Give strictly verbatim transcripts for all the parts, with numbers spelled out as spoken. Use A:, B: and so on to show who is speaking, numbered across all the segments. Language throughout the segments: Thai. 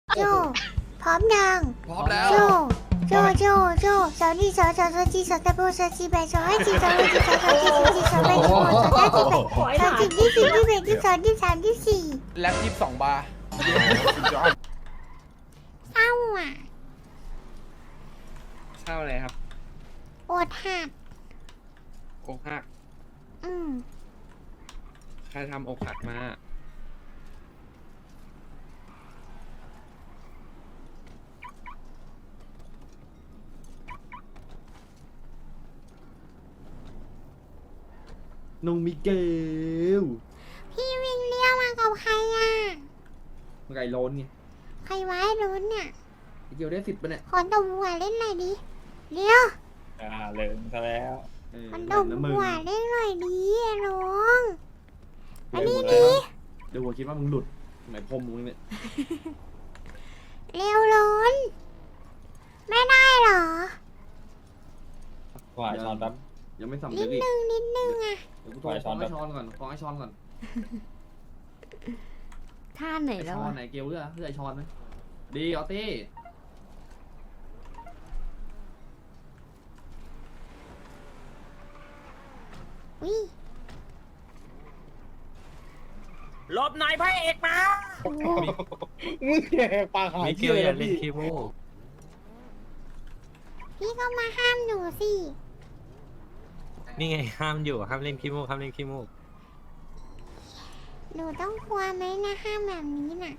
A: โจพร้อมยัง
B: พร้อมแล้ว
A: โจโจโจโจสาวนี่สาวสาวสาวจีสาวตะโบสาวจีแบสาวให้จีสาวให้จีสาวสาวจีสาวจีสาวแบสาวสาวจีแบสาวจีที่สี่ที่แบที่สองที่สามที่สี่
B: แล็บยี่สิบสองบาร์
A: เศร้าอ่ะ
C: เศร้าอะไรครับ
A: อดหัก
C: อกหัก
A: อืม
C: ใครทำอกหักมาน้องมิเกล
A: พี่วินเลี้ยวมากับใครอ่ะ
C: ไก่โล้นไง
A: ใครไว้ลุ้นเนี่ย
C: มิเกลได้สิบปะเนี่ย
A: ขอตบหัวเล่นหน่อยดิเลี้ยว
D: อ่าเลิงซะแล้ว
C: เออ
A: ขอต
C: เดี๋ยว
A: บ
C: นะมึง
A: หัวเล่นหน่อยดิน้องอันนี้
C: เดี๋ยว
A: ดิ
C: เดี๋ยวหัวคิดว่ามึงหลุดไหนพรมมึงเนี่ย
A: เร็วล้นไม่ได้เหรอ
D: ขวายช้อนแป๊บ
C: ยังไม่สำ
A: นิ
C: เร็จ
A: ด
C: อีก
A: นึงนิดนึงอ่ะ
C: เดี๋ยวกูโทรฟ้องไอ้ช้อนก่อนฟ้องไอ้ช้อนก่อน
E: ท่าไหน
C: ไอ้
E: แล้ว
C: ช้อน
E: อะ
C: ไหนเกลเลือกเลือกไอ้ช้อนไหมดีออตี้
A: วิ
F: หลบหน่อยพระเอกมา
D: มึงแย่ปากหาย
G: มิเกลอย่าเล่นคีโม
A: พี่ก็มาห้ามหนูสิ
G: นี่ไงห้ามอยู่ห้ามเล่นคีโมห้ามเล่นคีโม
A: หนูต้องกลัวไหมนะห้ามแบบนี้น่ะ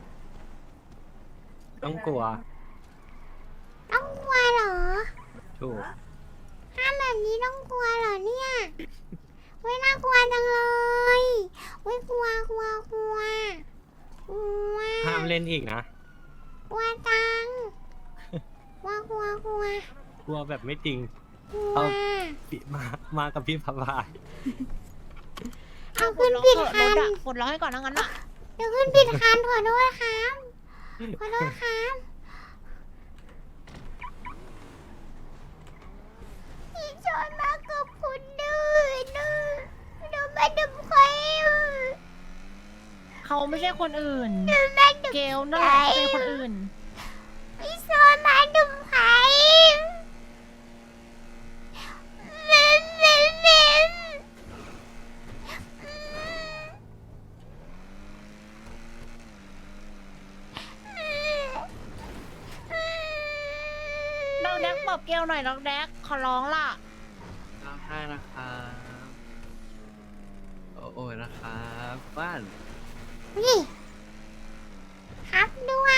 G: ต้องกลัว
A: ต้องกลัวเหรอ
G: ถูก
A: ห้ามแบบนี้ต้องกลัวเหรอเนี่ยเว้ยน่ากลัวจังเลยเว้ยกลัวกลัวกลัวกลัว
G: ห้ามเล่นอีกนะ
A: กลัวจังกลัวกลัวกลัว
G: กลัวแบบไม่จริง
A: กลัว
G: เอา ปิมามากับพี่พบาย
A: เอาขึ้นผิดคัน
F: กดร้องให้ก่อนนะงั้นอ่ะ
A: เดี๋ยวขึ้นผิดคันขอโทษครับขอโทษครับพี่ชอนมากับคุณดื้อดื้อเดี๋ยวมาดึงใครอ่ะ
F: เขาไม่ใช่คนอื่น
A: เดี๋ยวมาดึง
F: เกลนั่นแหละเป็นคนอื่น
A: พี่ชอนมาดึงใครเล่นเล่นเล่น
F: น้องแดกบอกเกลหน่อยน้องแดกขอร้องล่ะ
C: ร้องไห้นะครับโอ้โอ้ยนะครับบ้าน
A: นี่ครับด้วน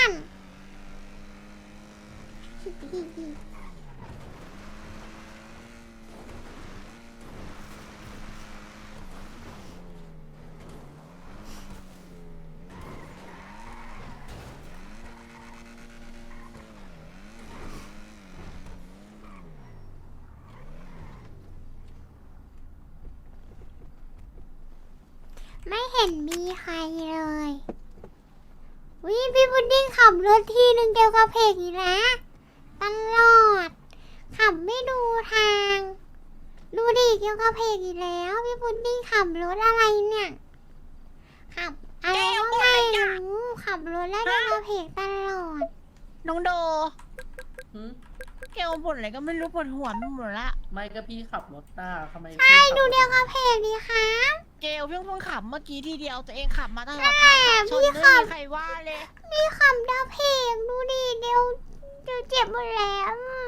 A: ไม่เห็นมีใครเลยวิพี่พุดดิ้งขับรถทีหนึ่งเกี่ยวกับเพกอีกนะตลอด ขับไม่ดูทาง ดูดิเกี่ยวกับเพกอีกแล้ว พี่พุดดิ้งขับรถอะไรเนี่ย ขับอะไรก็ไม่รู้ขับรถแล้วเกี่ยวกับเพกตลอด
F: น้องโดเกลบ่นอะไรก็ไม่รู้ปวดหัวไปหมดละ
H: ไม่ก็พี่ขับรถหน้าทำไม
A: ใช่ดูเดียวกับเพกดีครับ
F: เกลเพิ่งเพิ่งขับเมื่อกี้ทีเดียวตัวเองขับมาตลอด
A: แต่
F: ทางขับชน
A: พี่
F: ไม่
A: ขับ
F: มีใครว่าเลย
A: มีขับดาวเพกดูดิเดี๋ยวเดี๋ยวเจ็บหมดแล้วอะ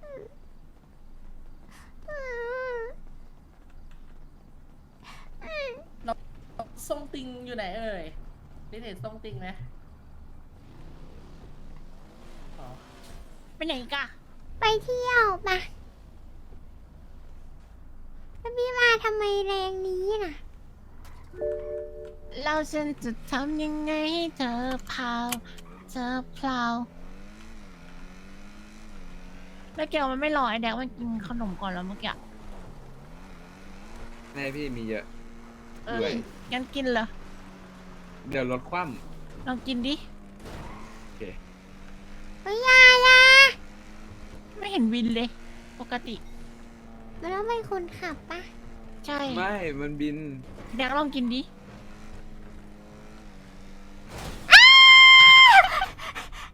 A: อืมอืม
H: ส่งติงอยู่ไหนเอ่ยได้เห็นส่งติงไหมอ๋อ
F: ไปไหนอีกอะ
A: ไปเที่ยวปะแล้วพี่มาทำไมแรงนี้น่ะ
F: เราฉันจะทำยังไงให้เธอพาวเธอพลาวแล้วเกลมันไม่รอไอ้แดกมันกินขนมก่อนแล้วเมื่อกี้
C: แม่พี่มีเยอะ
F: เอองั้นกินเลย
C: เดี๋ยวรถคว่
F: ลองกินดิ
A: เฮ้ยอยาอยา
F: ไม่เห็นวินเลย ปกติ
A: มันต้องเป็นคนขับปะ
F: ใช่
C: ำไม่ มันบิน
F: แดกลองกินดิ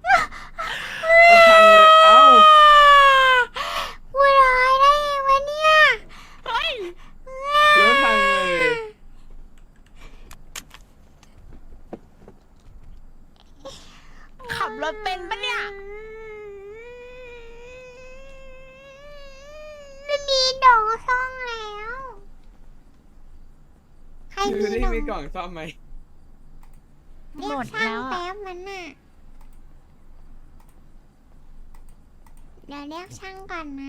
F: รถเป็นปะเนี่ย
A: ไม่มีดอกซ่องแล้ว ใคร
C: ดู
A: มี
C: ดิ
A: ดอก
C: มีกล่องซ่อมไหม
A: เรีย
F: หม
A: ก
F: ด
A: ช่าง
F: แล้วอะ
A: แป๊บมันน่ะ เดี๋ยวเรียกช่างก่อนนะ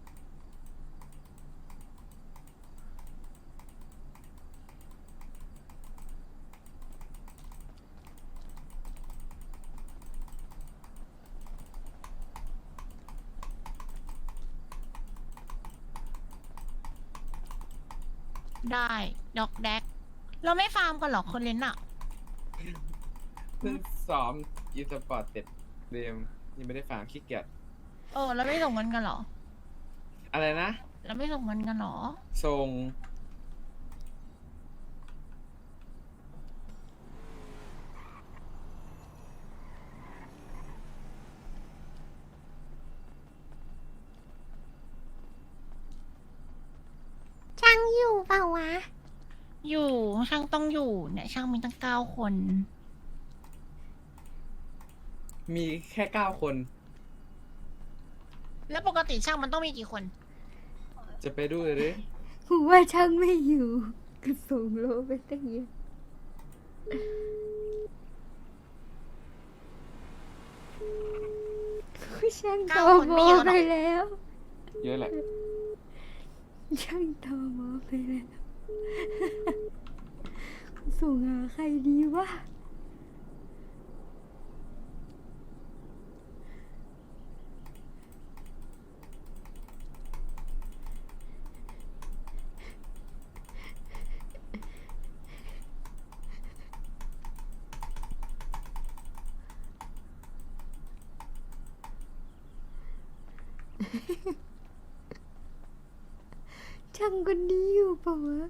F: ได้ดอกแดก เราไม่ฟาร์มกันหรอคนเล่นอะ
C: เพิ่งซ้อมอีสปอร์ตเสร็จเดมยังไม่ได้ฟังขี้เกียจ
F: เออเราไม่ส่งเงินกันหรอ
C: อะไรนะ
F: เราไม่ส่งเงินกันหรอ
C: ทรง
A: ช่างอยู่เปล่าวะ
F: อยู่ช่างต้องอยู่เนี่ยช่างมีตั้งเก้าคน
C: มีแค่เก้าคน
F: แล้วปกติช่างมันต้องมีกี่คน
C: จะไปดูเลยดิ
A: ผมว่าช่างไม่อยู่ก็ส่งโลไปตั้งเยอะช่าง
F: เก้า
A: โต
F: คน
A: โม
F: ไม่เยอะหรอก
A: ไปแล้ว
C: เยอะแหละ
A: ช่างโตโมไปแล้ว ส่งหาใครดีวะ ช่างคนนี้อยู่เปล่าวะ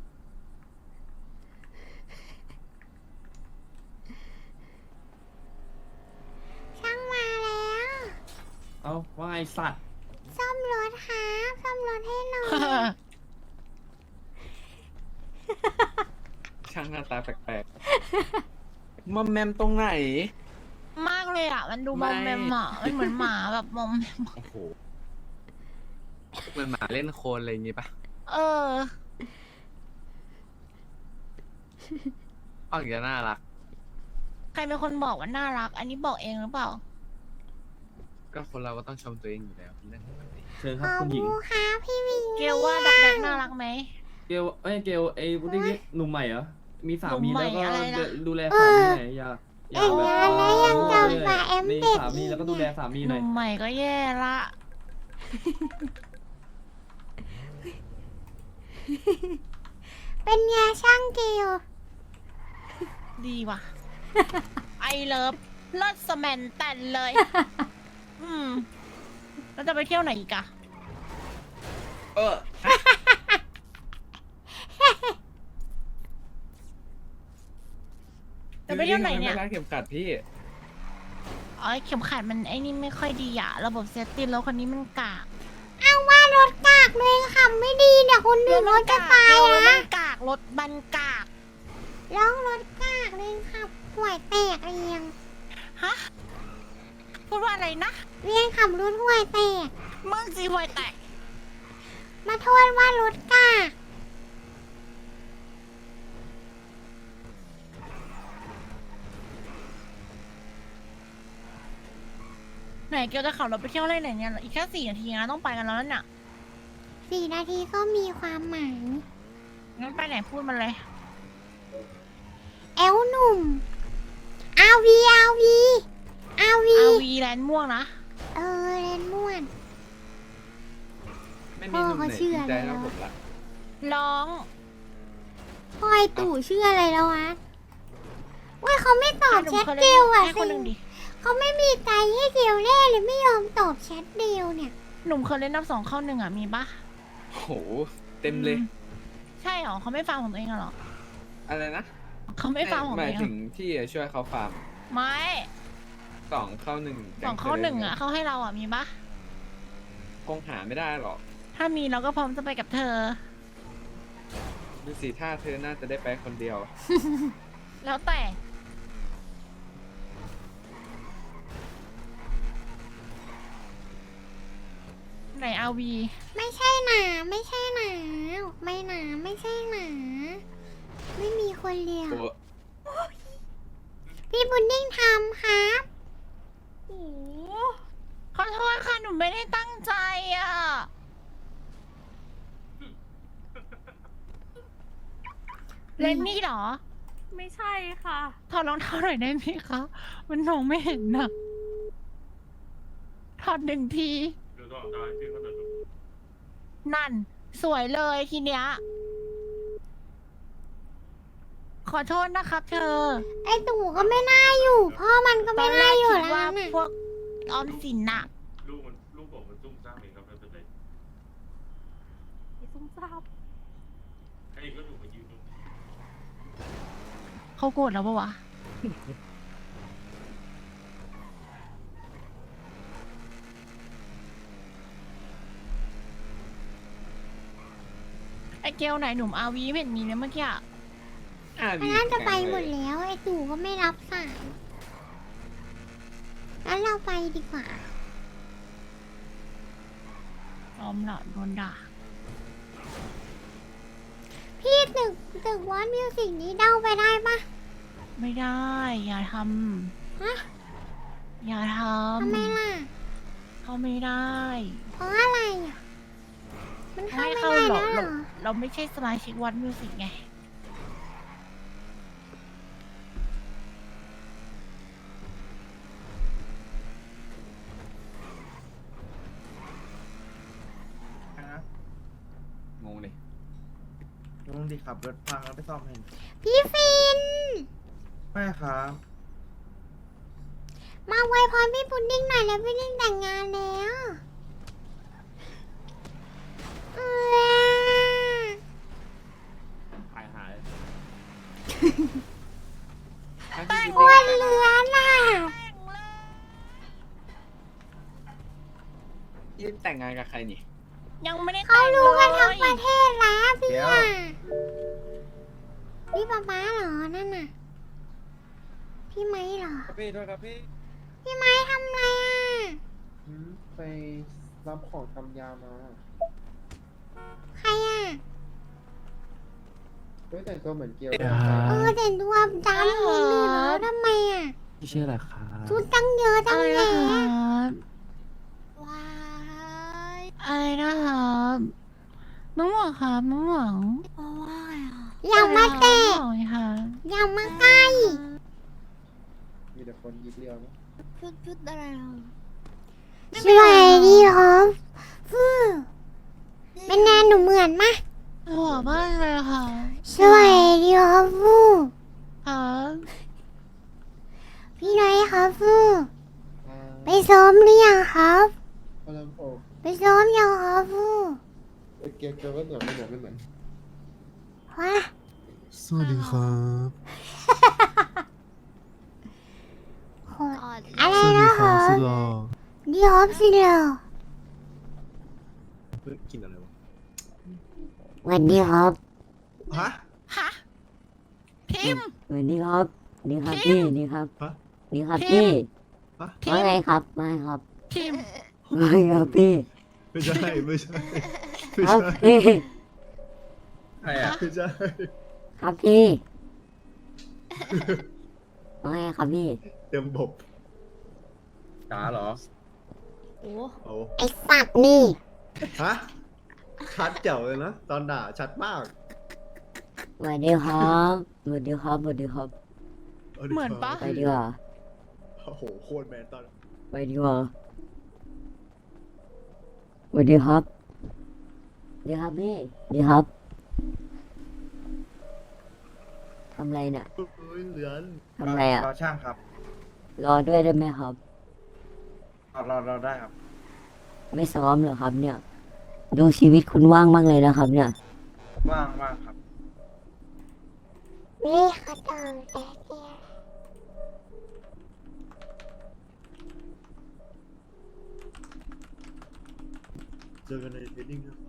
A: ช่างมาแล้ว
B: เอาว่าไอสัตว์
A: ซ่อมรถครับซ่อมรถให้หน่อย
C: ช่างหน้าตาแปลกๆมอมแมมตรงไหน
F: มากเลยอ่ะ มันดูมอมแมมอ่ะมันเหมือนหมาแบบมอมแมม
C: โอ้โหเหมือนหมาเล่นโคลนอะไรอย่างงี้ปะ
F: เออ
C: อ้าวอย่างน่ารัก
F: ใครเป็นคนบอกว่าน่ารัก อันนี้บอกเองหรือเปล่า
C: ก็คนเราก็ต้องชมตัวเองอยู่แล้วเป็นเรื่องปกติ
B: เชิญค
A: ข
B: รับ
A: อบ
B: คุณหญิง
A: คุณครับพี่วิง
F: เกลว่าดักแดกน่ารักไหม
B: เกลเอ้ยเกลไอ้พุดดิ้งนี่หนุ่มใหม่เหรอ มีสามี
F: หนุ่มใหม่
B: แล้วก็
F: อะไรนะ
B: ดูแลสามีหน่อยอย่าอย่า
A: เอ็ง
B: แบบ
A: งานแล้วยังจำฝ่าแอม
B: มี
A: เด็ก
B: สามีแล้วก็ดูแลสามี
F: ห
B: หน่อย
F: นุ่มใหม่ก็แย่ละ
A: เป็นไงช่างเกล
F: ดีว่ะ ไอเลิฟเลิศสแมนแต่นเลย อืมแล้วจะไปเที่ยวไหนอีกอะ
C: เออ
F: จะไปเที่ยวไหนเนี่ย
C: ไม่รักเข็มขัดพี่
F: อ๋อเข็มขัดมันไอ้นี่ไม่ค่อยดีอะระบบเซฟตี้รถคันนี้มันกาก
A: เอาว่ารถกากเลยขับไม่ดีเดี๋ยวคนอื่นรถจะตาย
F: รถมั
A: นะ
F: นกากรถบันกาก
A: ร้องรถกากเลยขับห่วยแตกเรียง
F: ฮะ พูดว่าอะไรนะ
A: เรียงขับรถห่วยแตก
F: มึงสิห่วยแตก
A: มาโทษว่ารถกาก
F: ไหนเกียวจะขับรถไปเที่ยวอะไรไหนเนี่ยอีกแค่สี่นาทีนะต้องไปกันแล้วนั่นน่ะ
A: สี่นาทีก็มีความหมาย
F: งั้นไปไหนพูดมาเลย
A: แอลหนุ่มอาวีอาวีอาวี
F: อาวีแลนด์ม่วงนะ
A: เออเรนม่วน
C: ไม่มีหนุ่มไหน
A: พ่อเขาชื่อ
C: จริงใจ
A: อะไร
C: เท่าว
A: ะ
C: ผมละ
F: ร้อง
A: พลอยตู่ชื่ออะไรแล้ววะเว้ยเขาไม่ตอบ
F: หนุ่
A: แช
F: ม
A: ท
F: เคย
A: เก
F: เล่
A: ล
F: น
A: อ่ะ
F: ให้คนหนึ่งดิ
A: เขาไม่มีใจให้เกลแน่เลยไม่ยอมตอบแชทเดียวเนี่ย
F: หนุ่มเคยเล่นนับสองเข้าหนึ่งอ่ะมีปะ
C: โอ้โห เต็มเลย
F: ใช่เหรอเขาไม่ฟังของตัวเองเหรอ
C: อะไรนะ
F: เขาไม่ฟังของ
C: ห
F: ตัว
C: มาย
F: เองเหร
C: ถึ
F: อง
C: ที่จะช่วยเขาฟาร์ม
F: ไม่
C: สองเข้าหนึ่ง
F: สองเข้าหนึ่งอ่ะเขาให้เราอ่ะมีปะ
C: คงหาไม่ได้หรอก
F: ถ้ามีเราก็พร้อมจะไปกับเธอ
C: ดูสิถ้าเธอน่าจะได้ไปคนเดียว
F: แล้วแต่ไหนอาวี
A: ไม่ใช่หนาไม่ใช่หนาไม่หนาไม่ใช่หนาไม่มีคนเลี้ยง
C: โอ้
A: พี่บุญดิ้งทำครับ
F: โอ้ขอโทษค่ะ หนูไม่ได้ตั้งใจอ่ะ เลนนี่เหรอ
E: ไม่ใช่ค่ะ
F: ถอดรองเท้าหน่อยได้ไหมคะ มันมองไม่เห็นนะถอดหนึ่งที นั่น สวยเลยทีเนี้ย ขอโทษนะครับเธอ
A: ไอตู่ก็ไม่น่าอยู่ พ่อมันก็
F: ตอ
A: ไม่
F: นแร
A: น่าก อยู่
F: คิด
A: แล้ว
F: ว่า
A: น่ะ
F: พวกออมสินน่ะ
I: ลูกมันลูกผมมันจุ้มซ่ามเองครับไม่เป็นไร
E: ไอ้ซุ่มซ่าม
I: ไอ้ก็ถูกมายืนตรงนี้
F: เขาโกรธแล้วปะวะ ไอเกลไหนหนุ่มอาวีไม่เห็นมีเลยเมื่อกี้อะ
C: อา
A: มัน
C: วี
A: น่าจะไป
C: แข็ง
A: หม
C: เล
A: ด
C: ย
A: แล้วไอตู่ก็ไม่รับสายงั้นเราไปดีกว่า
F: ยอมละโดนด่า
A: พี่ตึกตึกวอนมิวสิกนี้เด้าไปได้ปะ
F: ไม่ได้ อย่าท
A: ฮะ
F: ำ อย่าท
A: ทำไมล่ะ
F: ำ เขาไม่ได้
A: เพราะอะไรอ่ะ มันเข้า
F: ไม่
A: ไม่
F: เข้า
A: ได้
F: หรอก
A: แล้วเหร
F: เรา
A: อ
F: เราไม่ใช่สมาชิกวัดมิวสิกไง
C: งงเลย
J: ลุงดิขับรถพังแล้วไปซ่อมให้
A: พี่ฟิน
J: ไม่ครับ
A: มาไวยพรพี่พุดดิ้งหน่อยแล้วพี่ดิ้งแต่งงานแล้วเออ
B: หายหาย
A: อ้วนเหลือน่ะ
C: ยี่แต่งงานกับใครนี่
F: ยังไม่ได้
A: เขา
F: แต่ง
A: รู้กันทั้ง
F: เล
A: ป
F: ย
A: ระเทศแล้วพี่
J: เดี๋ยว
A: อ่ะพี่ป๊าป๊าเหรอ นั่นน่ะ พี่ไม้เหรอ
D: พี่ด้วยครับพี่
A: พี่ไม้ทำอะไรอ่ะ
D: ไปรับของทำยามา
A: ใครอ่ะ
D: ด้วยแต่งตัวเหมือนเกียว
A: เออแต่ตัวดำนิดนึงแล้วทำไมอ่ะ
G: พี่ชื่ออะไรครับ
A: ชุดตั้งเยอะตั้ง
F: อะไร
A: แยะ
F: นะครับ
A: ว้าย
F: อะไรนะครับน้องหวังครับน้องหวัง
A: อย่ามาเตะ
F: น้องหวังค่ะ
A: อย่ามาใกล้
D: มีแต่คนยิบเรียวนะ
A: สวัสดีครับฟูเป็นแนนหนูเหมือนมะ
F: หล่อมากเลยค่ะ
A: สวัสดีครับฟู
F: ครับ
A: พี่น้อยครับฟูไปซ้อมหรือยังครับ
D: พลังโอก
A: ไปซ้อมยังครับฟู
D: เกียวเกียวก็เหมือนไม่เหมือนไม่เหมือน
A: ว้า
J: สวัสดีครับ
A: โหดอะไรนะครับ
J: รอ
A: ดีครับสิเหรอ
J: กินอะไรวะ
A: สวัสดีครับ
J: ฮะ
F: ฮะพิมพ์
K: สวัสดีครับนี่ครับ
F: พิ
K: พี่
F: มพ์
K: นี่ครับ
J: ฮะ
K: นี่ครับ
F: พิ
K: พี่
F: มพ์ พิ
K: ว่าม ไง
F: พ์
K: ครับมาครับ
F: พิมพ์
K: ว่าไงครับพี่
J: ไม่ใช่ไม่ใช่ไม่
K: ครับ
J: ใช่
K: พี่
C: ใครอ่ะ
J: ไม่ใช่
K: ครับพี่ว่าไงครับพี่
J: เต็มบบ
C: จ๋าเหรอ
J: โอ้
A: ไอสัตว์นี่
J: ฮะชัดเจ๋วเลยนะตอนด่าชัดมาก
K: สวัสดีครับสวัสดีครับสวัสดีครับ
J: าดิ
F: เหมือนปะ
K: ไปดีกว่า
J: โอ้โหโคตรแมนตอน
K: ไปดีกว่าสวัสดีครับสวัสดีครับพี่สวัสดีครับทำอะไรเนี่ย
J: เฮ้ยเหลือน
K: ทำอะไรอ่ะ
J: รอช่างครับ
K: รอด้วยได้ไหมครับ
J: รอรอรอได้ครับ
K: ไม่ซ้อมเหรอครับ เนี่ย ดูชีวิตคุณว่างมากเลยนะครับ เนี่ย
J: ว่างว่างครับ
A: นี่ขะตองแต่แก
J: เจอกันในเทรนนิ่งนะครับ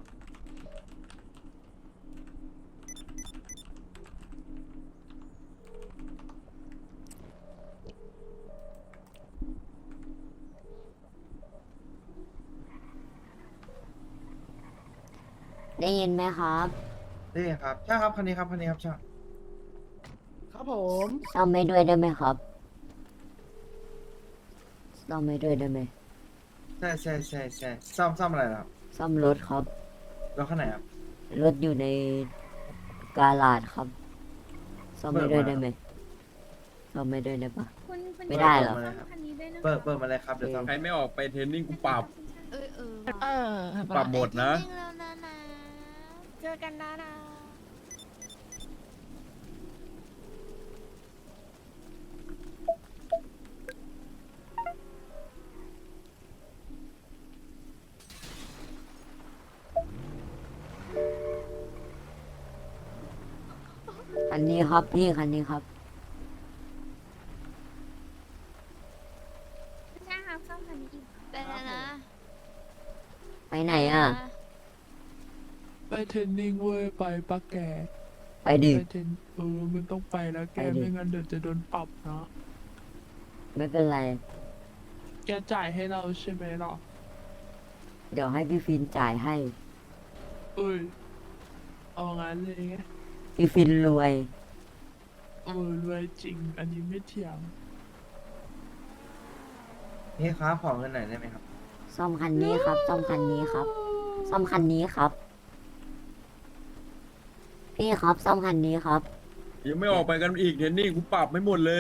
K: ได้ยินไหมครับ
D: นี่ครับใช่ครับคันนี้ครับคันนี้ครับใช่ครับผม
K: ซ่อมไม่ด้วยได้ไหมครับซ่อมไม่ด้วยได้ไหม
D: ใช่ใช่ใช่ใช่ซ่อมซ่อมอะไรครับ
K: ซ่อมรถครับ
D: รถคันไหนครับ
K: รถอยู่ในกาลาดครับซ่อมไม่ด้วยได้ไหมซ่อมไม่ด้วยได้ปะ
E: คุณคุณ
K: ไม่ได้เหรอ
E: คันนี้ด้วยนะคะ
D: เปิดเปิดมาเลยครับเดี๋ยวซ่อม
B: ใครไม่ออกไปเทรนนิ่งกูปรับ
E: เออเออ
F: เออ
B: ปรับหมดนะ
A: จริงแล้วนะนะ
F: เจอกันนะนะ
K: คันนี้ครับพี่คันนี้ครับ
E: ใช่ครับซ่อมคันนี้อีก
A: ไปแล้วนะ
K: ไปไหนอ่ะ
L: ไปเทรนนิ่งเว้ยไปปะแก
K: ไปดิ
L: ไปเทรนเออมันต้องไปแล้วแก
K: ไปดิ
L: ไม่งั้นเดี๋ยวจะโดนปรับนะ
K: ไม่เป็นไร
L: แกจ่ายให้เราใช่ไหมล่ะ
K: เดี๋ยวให้พี่ฟินจ่ายให้
L: เอ้ยเอางั้นเลยไง
K: พี่ฟินรวย
L: เออรวยจริง อันนี้ไม่เถียง
D: นี่ครับขอเงินหน่อยได้ไหมครับ
K: ซ่อมคันนี้ครับ ซ่อมคันนี้ครับ ซ่อมคันนี้ครับ พี่ครับซ่อมคันนี้ครับ
B: ยังไม่ออกไปกันอีกเทรนนิ่งกูปรับไม่หมดเลย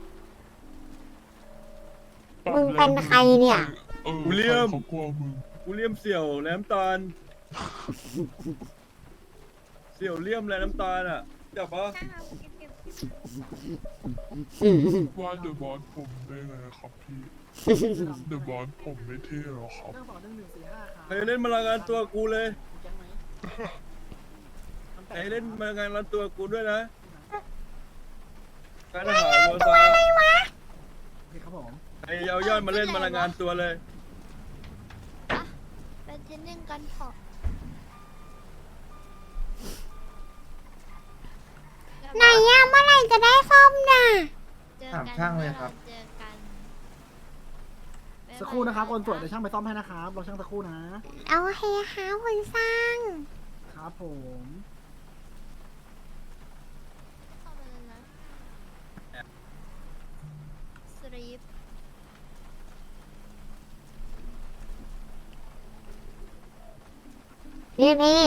A: มึงเป็นใครเนี่ย
L: เออ
B: กูเลี่ยม
L: เขากลัวมึง
B: กูเลี่ยมเสี่ยวแหลมตาล เสี่ยวเลี่ยมแหลมตาลอ่ะจับปะ
E: ใช่ครับเก็บเก็บเก็บ
L: ว่าเดอะบอสผมได้ไงครับพี่เดอะบอสผมไม่เท่หรอครับ
B: ใครเล่นมารายงานตัวกูเลยใครเล่นมารายงานตัวกูด้วยนะการทหารวัวซา
D: ครับผม
B: ใครเอายอดมาเล่นมารายงานตัวเลย
A: ไปเทรนนิ่งกันเถอะไหนอะเมื่อไหร่จะได้ซ่อมน่ะ
D: ถามช่างเลยครับ
A: เจอกัน
D: สักครู่นะครับคนตรวจเดี๋ยวช่างไปซ่อมให้นะครับรอช่างสักครู่นะ
A: เอาเฮฮาคุณสร้าง
D: ครับผม
A: เข้าไปเลยนะสลีปนี่นี่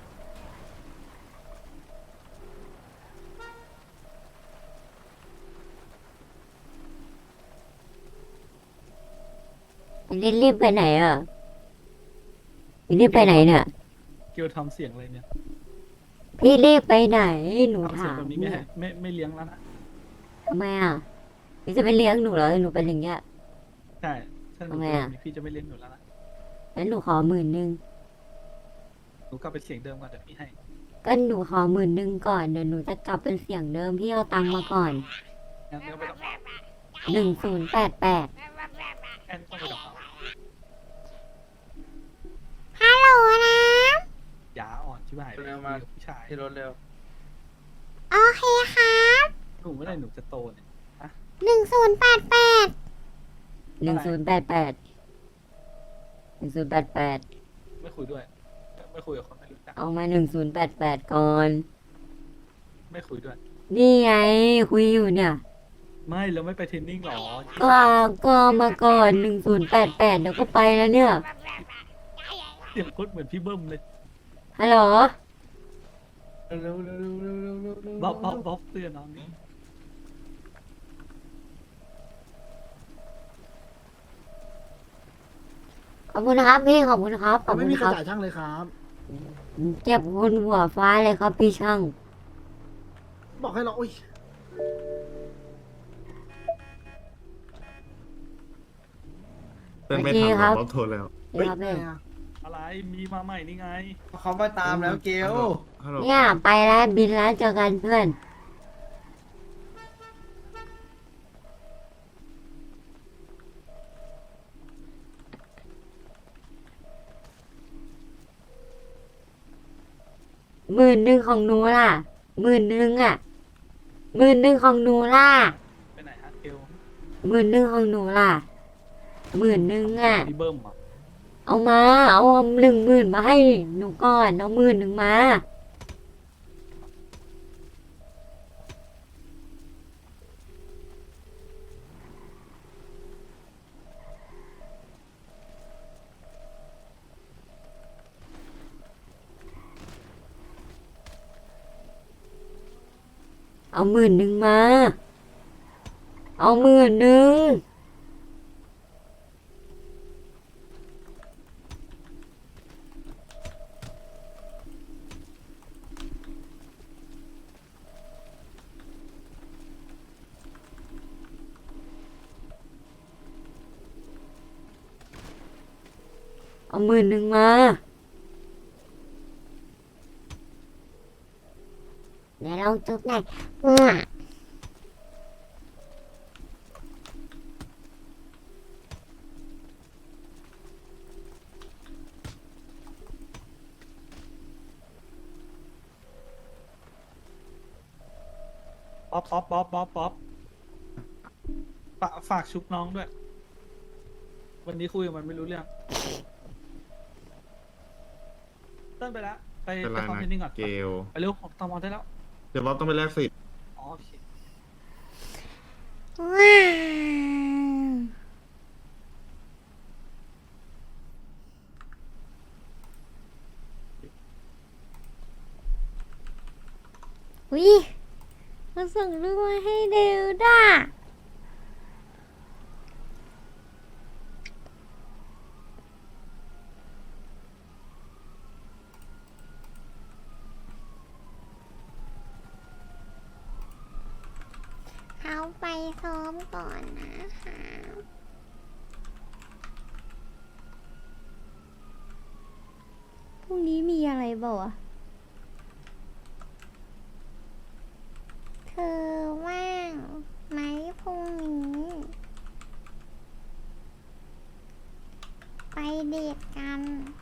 A: รีบรีบไปไหนอ่ะรีบไปไหนเนี่ย
C: เกียวทำเสียงอะไรเนี่ย
K: พี่รีบไปไหน หนู
C: ทำเสีย
K: ถาง ม
C: แบบนี้ไม่
K: เนี่ย
C: ให้ไม่ไม่เลี้ยงแล้วนะ
K: ทำไมอ่ะ พี่จะไปเลี้ยงหนูเหรอ หนูเป็นอย่างเงี้ย
C: ใช่ถ้าหนู
K: ทำไม
C: เป็น
K: อะ
C: แบบนี้พี่จะไม่เลี้ยงหนูแล้วนะ
K: งั้นหนูขอหมื่นหนึ่ง
C: หนูกลับไปเสียงเดิมก่อนเดี๋ยวพี่ให้
K: ก็หนูขอหมื่นหนึ่งก่อน เดี๋ยวหนูจะกลับเป็นเสียงเดิม พี่เอาตังค์มาก่อน
C: งั้นก็ไปดอกเ
K: หนึ่งศูนย์แปดแปด
C: แอนต้องไปดอก
A: ฮัลโหลนะ
C: ยาอ่อนที่บ้าน
D: เร็วมา
C: ผู้ชาย
D: ที่รถเร็ว
A: โอเคครับ
C: หนูเมื่อไหร่หนูจะโตเนี่ย
A: หนึ่งศูนย์แปดแปด
K: หนึ่งศูนย์แปดแปดหนึ่งศูนย์แปดแปด
C: ไม่คุยด้วย ไม่คุยกับคนไม่รู้จัก
K: เอามาหนึ่งศูนย์แปดแปดก่อน
C: ไม่คุยด้วย
K: นี่ไง คุยอยู่เนี่ย
C: ไม่แล้วไม่ไปเทรนนิ่งหรอ
K: ก็ก็มาก่อนหนึ่งศูนย์แปดแปดเดี๋ยวก็ไปแล้วเนี่ย
C: เสียงโคตรเหมือนพี่เบิ้มเลย
K: ฮัลโหล
D: เร็วเร็วเร็วเร็วเร็วเร็วเร็ว
C: บ๊อบบ๊อบบ๊อบเตือนน้องนี่
K: ขอบคุณนะครับพี่ ขอบคุณครับ ขอบ
D: ไม่
K: คุณ
D: มีใค
K: ค
D: ร
K: รับ
D: จ่ายช่างเลยครับ
K: เจ็บคนหัวฟ้าเลยครับพี่ช่าง
D: บอกให้เราอุ้ย
J: เต้นไม่
K: โอเค
J: ทัน
K: ครับ
J: รถโทรแล้ว
K: เดี๋ยวครับพี่
C: อะไรมีมาใหม่นี่ไง
D: เขาไปตามแล้วเกล
J: ฮัลโหล
K: เนี่ยไปแล้วบินแล้วเจอกันเพื่อน หมื่นหนึ่งของหนูล่ะ หมื่นหนึ่งอ่ะ หมื่นหนึ่งของหนูล่ะ
C: ไปไหนฮะเกล
K: หมื่นหนึ่งของหนูล่ะ หมื่นหนึ่งอ่ะ
C: พี่เบิ้มอ่ะ
K: เอามา เอาหนึ่งหมื่นมาให้หนูก่อน เอาหมื่นหนึ่งมา เอาหมื่นหนึ่งมา เอาหมื่นหนึ่ง เอาหมื่นหนึ่งมา เดี๋ยวลองจุ๊บหน่อยมั่ว
D: ป๊อปป๊อปป๊อปป๊อปป๊อปฝากฝากชุบน้องด้วย วันนี้คุยกับมันไม่รู้เรื่องเต้นไปแล้ว ไปไปคอมเพนนิ่งก่อน
J: เกล
D: ไปเร็วผมตอมอได้แล้ว
J: เดี๋ยวบ๊อบต้องไปแลกสิทธิ์
D: อ๋อโอเค
A: ว้าววิมาส่งรูปมาให้เดวด้าเขาไปซ้อมก่อนนะคะพรุ่งนี้มีอะไรบ่าวะเธอว่างไหมพรุ่งนี้ ไปเดทกัน